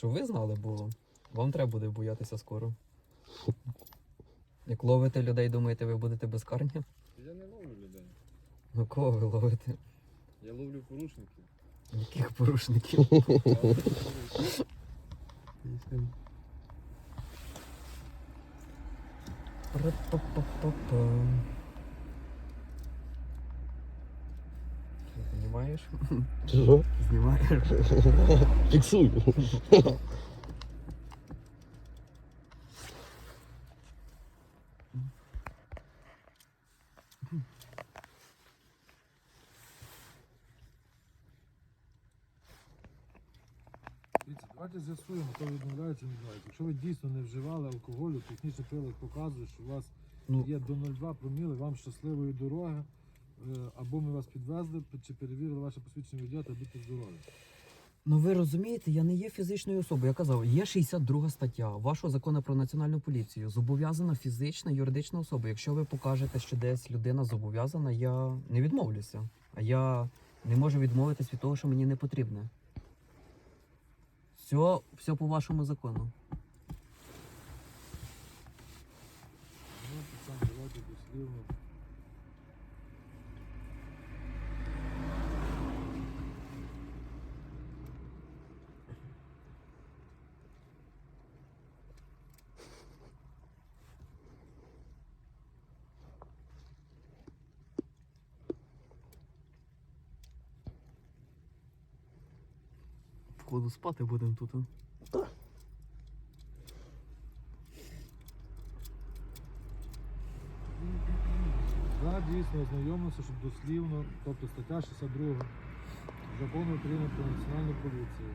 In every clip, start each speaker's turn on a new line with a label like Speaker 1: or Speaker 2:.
Speaker 1: Щоб ви знали, бо вам треба буде боятися скоро. Як ловите людей, думаєте, ви будете безкарні?
Speaker 2: Я не ловлю людей.
Speaker 1: Ну кого ви ловите?
Speaker 2: Я ловлю порушників.
Speaker 1: Яких порушників? Ра-па-па-па-па. Знімаєш?
Speaker 3: Що?
Speaker 1: Знімаєш?
Speaker 3: Фіксую.
Speaker 4: Дивіться, давайте з'ясуємо, хто відмовляється, не відмовляється. Якщо ви дійсно не вживали алкоголю, технічний прилад показує, що у вас
Speaker 1: Ну.
Speaker 4: є до 0,2 проміли, вам щасливої дороги, або ми вас підвезли, чи перевірили ваше посвідчення водія, та будьте здорові.
Speaker 1: Ну ви розумієте, я не є фізичною особою. Я казав, є 62 стаття вашого закону про національну поліцію. Зобов'язана фізична, юридична особа. Якщо ви покажете, що десь людина зобов'язана, я не відмовлюся. А я не можу відмовитись від того, що мені не потрібне. Все по вашому закону.
Speaker 4: Ну, так, давайте дослівно.
Speaker 1: Походу спати будемо тут.
Speaker 4: Да, дійсно ознайомилися, щоб дослівно, тобто стаття 62 Закону України про національну поліцію.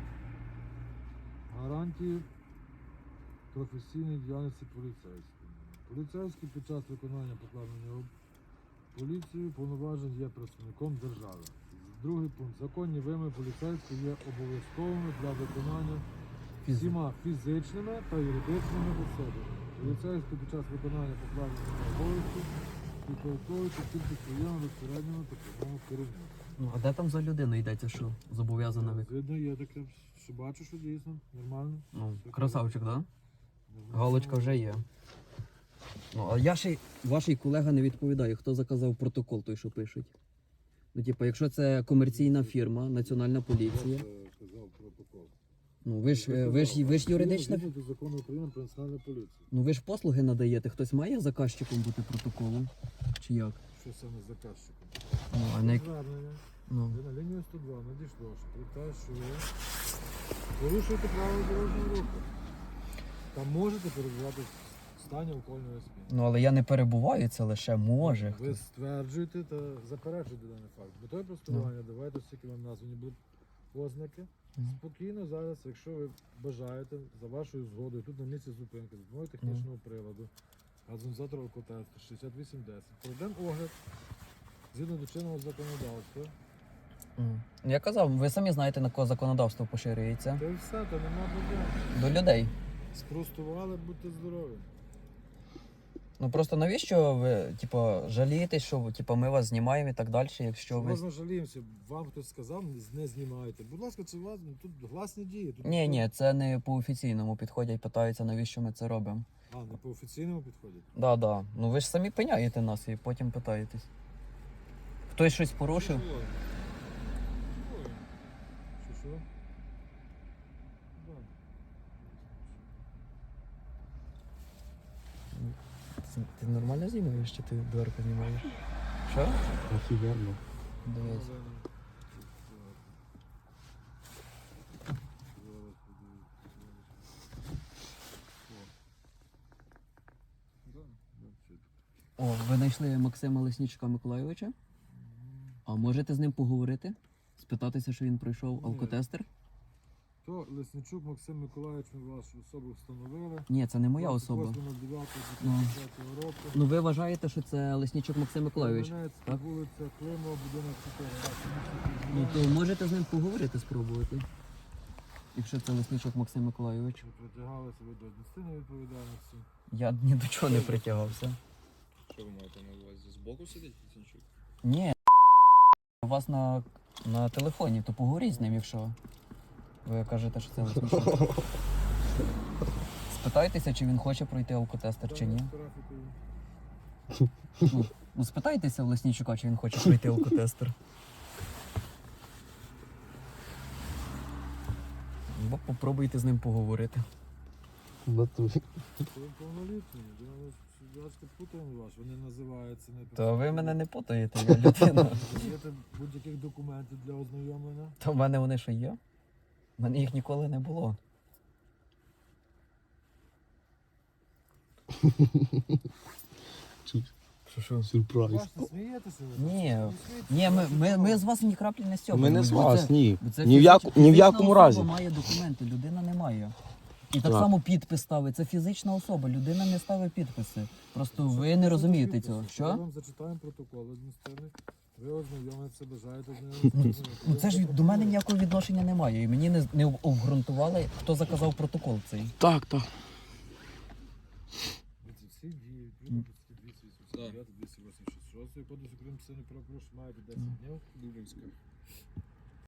Speaker 4: Гарантії професійної діяльності поліцейського. Поліцейський під час виконання покладеного поліцією повноважень є представником держави. Другий пункт. Законні вимоги поліцейського є обов'язковими для виконання всіма фізичними та юридичними особами. Поліцейський під час виконання покладеного обов'язку підпорядковується тільки своєму безпосередньому та прямому керівництву.
Speaker 1: Ну, а де там за людину йдеться, що зобов'язана ви?
Speaker 4: Видно, є таке, що бачу, що дійсно нормально.
Speaker 1: Ну, красавчик, да?
Speaker 4: Нормально.
Speaker 1: Галочка вже є. Ну, а я ще ваш колега не відповідає, хто заказав протокол той, що пишуть. Ну, типу, якщо це комерційна фірма, національна поліція.
Speaker 4: Я казав протокол.
Speaker 1: Ну, ви ж юридична.
Speaker 4: Згідно до закону України про національну поліцію.
Speaker 1: Ну ви ж послуги надаєте. Хтось має заказчиком бути протоколу? Чи як?
Speaker 4: Що саме з заказчиком?
Speaker 1: Ну, а не...
Speaker 4: Звернення.
Speaker 1: Ну.
Speaker 4: Ви на лінію 102 надійшло, що про те, що ви порушуєте правила дорожнього руху. Та можете перебувати в стані алкогольного сп'яніння.
Speaker 1: Ну, але я не перебуваю, це лише може.
Speaker 4: Ви стверджуєте та заперечуєте даний факт. Метою простування давайте, оскільки вам названі будуть ознаки. Спокійно зараз, якщо ви бажаєте, за вашою згодою, тут на місці зупинки, з допомогою технічного приладу, газонізатор алкотесту 6810, проведемо огляд згідно до чинного законодавства.
Speaker 1: Я казав, ви самі знаєте, на кого законодавство поширюється.
Speaker 4: Та й все, то нема проблем.
Speaker 1: До людей.
Speaker 4: Спростували, будьте здорові.
Speaker 1: Ну просто навіщо ви, типу, жалієтесь, що типу, ми вас знімаємо і так далі, якщо ви...
Speaker 4: Можна жаліємося, вам хтось сказав, не знімайте. Будь ласка, це вас, тут гласні дії. Тут
Speaker 1: Ні, це не по офіційному підходять, питаються, навіщо ми це робимо.
Speaker 4: А, не по офіційному підходять?
Speaker 1: Да. Ну ви ж самі пиняєте нас і потім питаєтесь. Хтось щось порушив?
Speaker 4: Що? Да.
Speaker 1: Ти нормально знімаєш, чи ти дверку знімаєш? Що?
Speaker 3: Офігенно.
Speaker 1: Дивись. О, ви знайшли Максима Леснічука Миколайовича? А можете з ним поговорити? Спитатися, що він пройшов алкотестер?
Speaker 4: То Лесничук Максим Миколаївич, ми вашу особу встановили.
Speaker 1: Ні, це не моя особа.
Speaker 4: 28.09.2010 року.
Speaker 1: Ну ви вважаєте, що це Леснічук Максим Миколайович?
Speaker 4: Кам'янецька,
Speaker 1: так?
Speaker 4: вулиця Климова, будинок 4.
Speaker 1: Ну то можете з ним поговорити, спробувати. Якщо це Леснічук Максим Миколайович.
Speaker 4: Ви притягалися ви до адміністративної відповідальності.
Speaker 1: Я ні до чого не притягався.
Speaker 2: Що ви маєте на увазі? Збоку сидить Лесничук?
Speaker 1: Ні, у вас на телефоні, то поговоріть з ним, якщо. Ви кажете, що це не смішно. Спитайтеся, чи він хоче пройти алкотестер, чи ні. Ну, спитайтеся в Леснічука, чи він хоче пройти алкотестер. Бо попробуйте з ним поговорити.
Speaker 3: В натурі.
Speaker 4: Ви повнолітні, я ж путаємо вас, вони називаються не
Speaker 1: То ви мене не путаєте, я людина.
Speaker 4: Даєте будь-яких документів для ознайомлення.
Speaker 1: То в мене вони що є? У мене їх ніколи не було.
Speaker 3: Чуть
Speaker 1: Що?
Speaker 3: сюрприз.
Speaker 4: Бачите, смієтеся ви?
Speaker 1: Ні,
Speaker 4: Не
Speaker 1: ні, ми з вас ні краплі не стьопаємо.
Speaker 3: Ми не з
Speaker 1: бо
Speaker 3: вас,
Speaker 1: це-
Speaker 3: ні.
Speaker 1: бо це
Speaker 3: Ні в
Speaker 1: фізична
Speaker 3: якому
Speaker 1: особа
Speaker 3: разі.
Speaker 1: має документи, людина не має. І так
Speaker 3: Так.
Speaker 1: само підпис ставить. Це фізична особа, людина не ставить підписи. Просто ви не розумієте цього.
Speaker 4: Ми
Speaker 1: Що?
Speaker 4: вам зачитаємо протокол адміністративний. Ви ознайомитеся, бажаєте з ним.
Speaker 1: Ну це ж до мене ніякого відношення немає. І мені не обґрунтували, хто заказав протокол цей.
Speaker 3: Так, так.
Speaker 4: Всі дії, відповідно до статті 289, 286 Кодексу України про правопорушення маєте 10 днів.
Speaker 2: Дублінська.